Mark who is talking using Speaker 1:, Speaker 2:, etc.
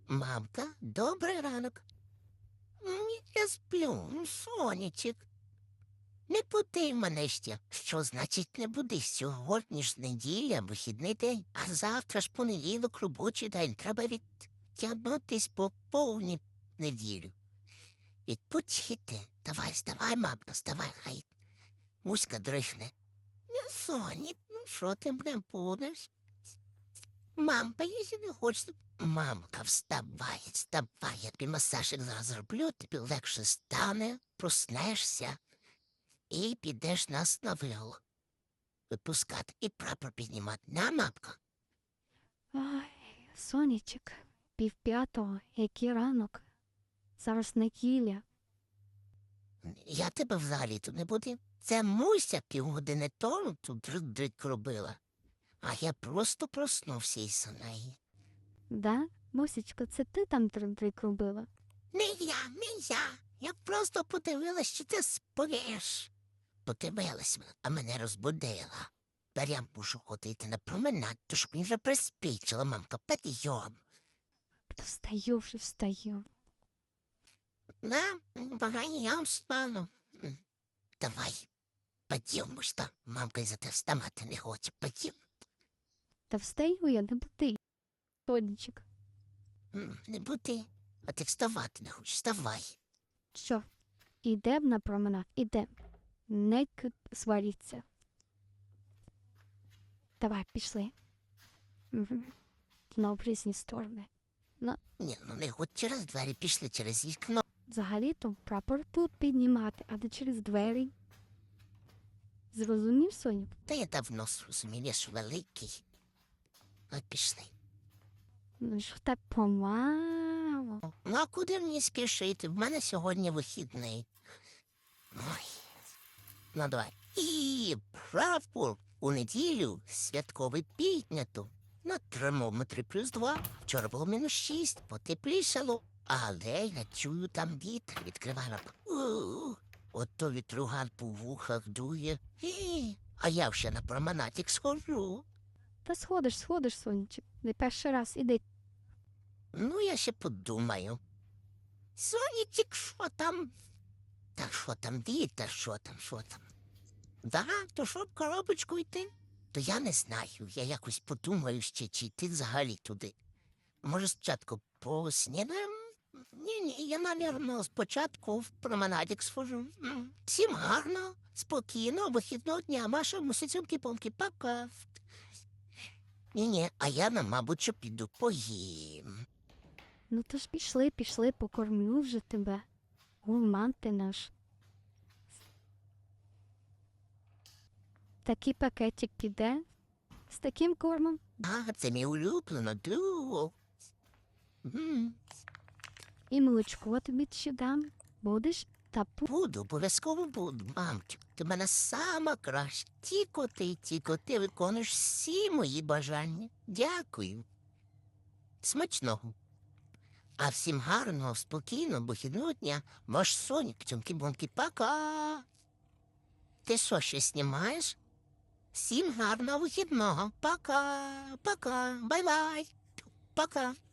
Speaker 1: Мамка, добрий ранок. Я сплю, сонечек. Не буди мене ще. Що значить не буди? Сьогодні ж неділя, вихідний день, а завтра ж понеділок, робочий день. Треба відтягнутись по повній неділю. Відпочити. Давай, вставай, мамка, вставай, хай. Муська дрихне. Соні, ну що ти мене будеш? Мамка, якщо не хочеш. Мамка, вставай, вставай, я тобі масажик зараз зроблю, тобі легше стане, проснешся і підеш нас на вигул. Випускати і прапор піднімати. На, мамка?
Speaker 2: Ай, сонечек, 4:30, який ранок. Зараз неділя.
Speaker 1: Я тебе взагалі тут не буду. Це Муся півгодини тому тут дрик робила. А я просто проснувся із неї.
Speaker 2: Да? Мусічко, це ти там трик робила?
Speaker 1: Не я. Я просто подивилась, що ти спиш. Подивилась, а мене розбудила. Тепер я мушу ходити на променад, то щоб він вже приспічила, мамка, підйом.
Speaker 2: Встаю вже, встаю.
Speaker 1: На, багані, я встану. Давай, підйом, що мамка із-за тебе вставати не хоче, підйом.
Speaker 2: Та встаю я, не буди. Сонечек.
Speaker 1: Не бути, а ти вставати не хочеш, вставай.
Speaker 2: Що? Ідем на променад, ідем. Не сваріться. Давай, пішли. Знов в різні сторони.
Speaker 1: Ні, ну не хоч через двері, пішли через вікно.
Speaker 2: Взагалі-то прапор тут піднімати, а не через двері. Зрозумів, Соню?
Speaker 1: Та я давно зрозумів, я ж великий. От пішли.
Speaker 2: Ну що так помало?
Speaker 1: Ну, а куди мені спішити? В мене сьогодні вихідний. Ой. Ну, давай. І прапор у неділю святковий піднято. На термометрі +2. Вчора було -6, потеплішало. Але я чую там вітер, відкриваю. Ото вітруган по вухах дує. А я ще на променадик схожу.
Speaker 2: Та сходиш, Сонечек. Не перший раз, іди.
Speaker 1: Ну, я ще подумаю. Сонечек, що там? Та що там, вітер, що там? Да, то що в коробочку йти? То я не знаю, я якось подумаю ще, чи йти взагалі туди. Може, спочатку поснідаємо? Ні, я, навірно, спочатку в променадик схожу. Всім гарно, спокійно, вихідного дня, Маша, мусицюнки-помки, пока. Ні, а я, мабуть, що піду поїм.
Speaker 2: Ну то ж пішли, покормлю вже тебе. Гурман ти наш. Такий пакетик піде з таким кормом.
Speaker 1: А, це мій улюблено, дуо.
Speaker 2: І молочко тобі ще дам. Будеш? Та
Speaker 1: Буду, обов'язково буду, мамчик. Ти в мене сама краща. Тільки ти виконуєш всі мої бажання. Дякую. Смачного. А всім гарного, спокійного, вихідного дня. Ваш Сонік, цьомки-бомки, пока. Ти що, ще знімаєш? Всім гарного вихідного. Пока, бай-бай. Пока.